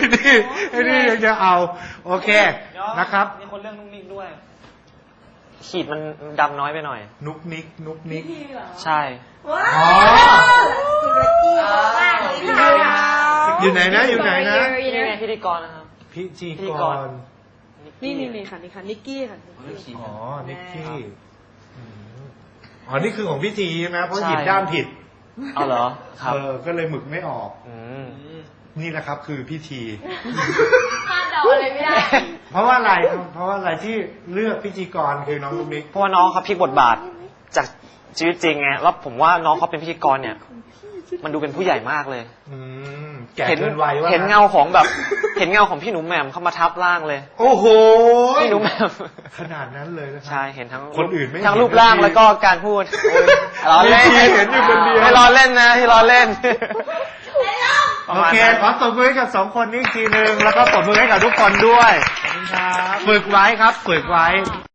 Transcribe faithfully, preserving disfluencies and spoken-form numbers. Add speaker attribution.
Speaker 1: นี่ไอ้นี่ยังจะเอาโอเคนะครับ
Speaker 2: มีคนเรื่องนุ๊กนิกด้วยขีดมันดำน้อยไปหน่อย
Speaker 1: นุกนิกนุกนิก
Speaker 2: ใช่
Speaker 3: ว้าวสุรจีมากเลยค่ะ
Speaker 1: อยู่ไหนนะอยู่ไหนนะ
Speaker 2: นี่ไงพิธีกรนะครับ
Speaker 1: พิธีกร
Speaker 4: นี่นี่นี่ค่ะนี่ค่ะนิกกี้ค่ะ
Speaker 1: อ๋อนิกกี้อ๋อนี่คือของพี่ทีใช่ไหมเพราะหยิบด้ามผิด
Speaker 2: เอาเหรอครับ
Speaker 1: เออก็เลยหมึกไม่ออกนี่แหละครับคือพี่ที
Speaker 3: คาดเดาอะไรไม่ได้
Speaker 1: เพราะว่าอะไรเพราะว่าอะไรที่เลือกพิธีกรคือน้องนุ๊กนิก
Speaker 2: เพราะว่าน้องเขาพลิกบทบาทจากชีวิตจริงไงแล้วผมว่าน้องเขาเป็นพิธีกรเนี่ยมันดูเป็นผู้ใหญ่มากเลย
Speaker 1: แก่เกินวัยว่า
Speaker 2: เห็นเงาของแบบเห็นเงาของพี่หนุ่มแหม่มเข้ามาทับร่างเลย
Speaker 1: โอ้โห
Speaker 2: พี่หนุ่มแหม่ม
Speaker 1: ขนาดนั้นเลยนะครับ
Speaker 2: ใช่เห็นทั้ง
Speaker 1: คนอื่นไม่
Speaker 2: ทั้งรูปร่างแล้วก็การพูดล้อเล่น
Speaker 1: เห็นอยู่คนเดียว
Speaker 2: ไม่ล้อเล่นนะที่ล้อเล่น
Speaker 1: โอเคขอตบมือให้กับสองคนนี้อีกทีนึงแล้วก็ตบมือให้กับทุกคนด้วยฝึกไว้ครับฝึกไว้